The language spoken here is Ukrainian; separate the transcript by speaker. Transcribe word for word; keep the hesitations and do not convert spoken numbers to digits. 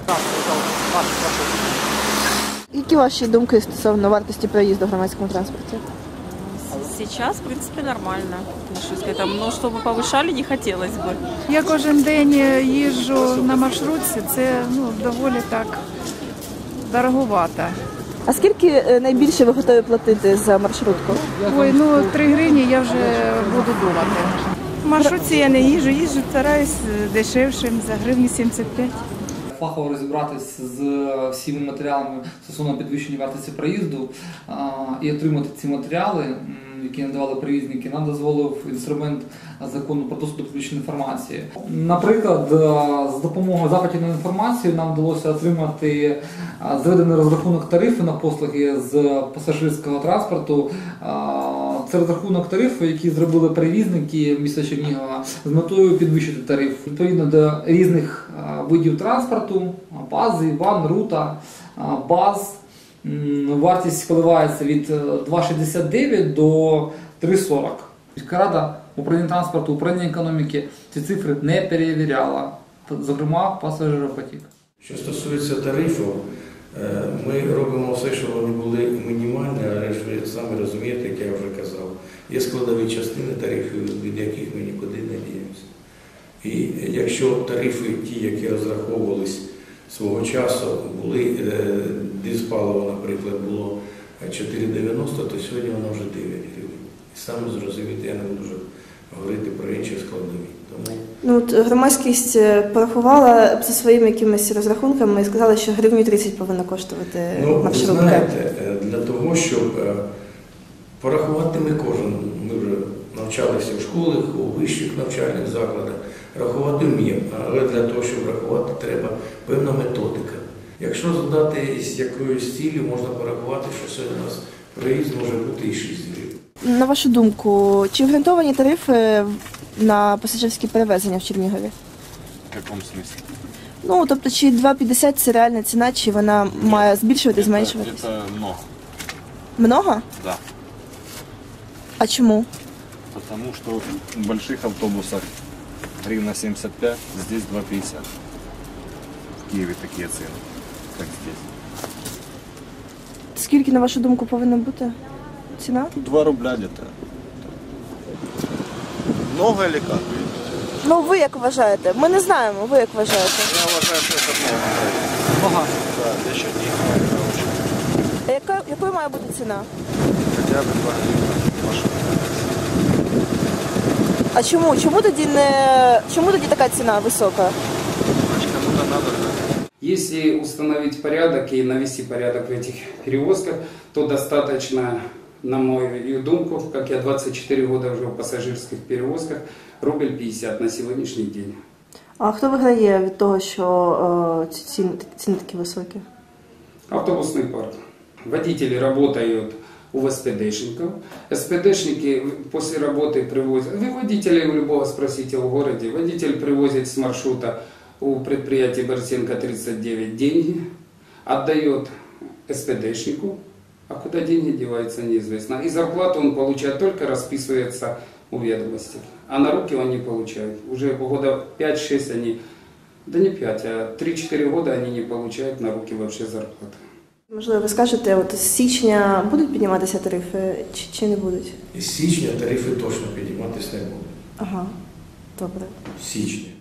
Speaker 1: Які ваші думки стосовно вартості проїзду в громадському транспорті?
Speaker 2: Сейчас, в принципе, нормально отношусь к этому, но чтобы повышали, не хотелось бы.
Speaker 3: Я кожен день їжджу на маршрутці, це ну, доволі так дороговато.
Speaker 1: А скільки найбільше ви готові платити за маршрутку?
Speaker 3: Ой, ну три гривні я вже буду думати.
Speaker 4: В маршрутці я не їжджу, їжджу, стараюсь дешевшим, за гривні сімдесят п'ять.
Speaker 5: Фахово розібратися з всіма матеріалами стосовно підвищення вартості проїзду і отримати ці матеріали, які надавали перевізники, нам дозволив інструмент закону про доступ до публічної інформації. Наприклад, з допомогою запитів на інформацію нам вдалося отримати зведений розрахунок тарифу на послуги з пасажирського транспорту. Це розрахунок тарифу, який зробили перевізники міста Чернігова з метою підвищити тариф. Відповідно до різних видів транспорту, бази, ван, рута, баз, вартість коливається від два шістдесят дев'ять до три сорок. Міська рада, управління транспорту, управління економіки ці цифри не перевіряла, зокрема пасажиропотік.
Speaker 6: Що стосується тарифів, ми робимо все, щоб вони були мінімальні, але ж ви самі розумієте, як я вже казав, є складові частини тарифів, від яких ми нікуди не діємося. І якщо тарифи, ті, які розраховувались свого часу, були, дизпаливо, наприклад, було чотири дев'яносто, то сьогодні воно вже дев'ять гривень. І саме зрозуміти, я не буду вже говорити про інші складові. Тому...
Speaker 1: Ну, от громадськість порахувала за своїми якимись розрахунками і сказала, що гривню тридцять повинна коштувати
Speaker 6: ну,
Speaker 1: маршрутка.
Speaker 6: Ви знаєте, для того, щоб порахувати ми кожен, ми вже навчалися в школах, у вищих навчальних закладах, рахувати вміємо, але для того, щоб рахувати, треба певна методика. Якщо задати з якоюсь цілі, можна порахувати, що сьогодні у нас проїзд може бути і шість гривень.
Speaker 1: На вашу думку, чи обґрунтовані тарифи на пасажирські перевезення в Чернігові?
Speaker 7: В якому смислі?
Speaker 1: Ну, тобто, чи два п'ятдесят це реальна ціна, чи вона має збільшувати, зменшуватися?
Speaker 7: Це много.
Speaker 1: Много?
Speaker 7: Да.
Speaker 1: А чому?
Speaker 7: Потому что в больших автобусах гривна семьдесят пять, здесь два пятьдесят. В Киеве такие цены, как здесь.
Speaker 1: Скільки, на вашу думку, повинна бути ціна?
Speaker 7: два рубля где-то. Много или как?
Speaker 1: Ну, ви як вважаєте? Ми не знаємо, ви як вважаєте?
Speaker 7: Я уважаю, что это много. Много? Да, для Чернигова это очень.
Speaker 1: А яка, якою має бути ціна?
Speaker 7: Хотя бы два гривна машина.
Speaker 1: А чому? Чому тоді не чому тоді така ціна висока?
Speaker 7: Значит, кому-то надо.
Speaker 8: Если установить порядок и навести порядок в этих перевозках, то достаточно, на мою думку, как я двадцать четыре года уже в пассажирских перевозках, рубль пятьдесят на сегодняшний день.
Speaker 1: А хто виграє від того, що ці ціни, ціни такі високі?
Speaker 8: Автобусный парк. Водители работают у СПДшников. СПДшники после работы привозят, вы водителей у любого спросите в городе, водитель привозит с маршрута у предприятия Борисенко тридцать девять деньги, отдает СПДшнику, а куда деньги деваются, неизвестно. И зарплату он получает, только расписывается у ведомости, а на руки он не получает. Уже года пять-шесть они, да не пять, а три-четыре года они не получают на руки вообще зарплаты.
Speaker 1: Можливо, ви скажете, от з січня будуть підніматися тарифи чи, чи не будуть?
Speaker 6: Із січня тарифи точно підніматися не будуть.
Speaker 1: Ага, добре.
Speaker 6: З січня.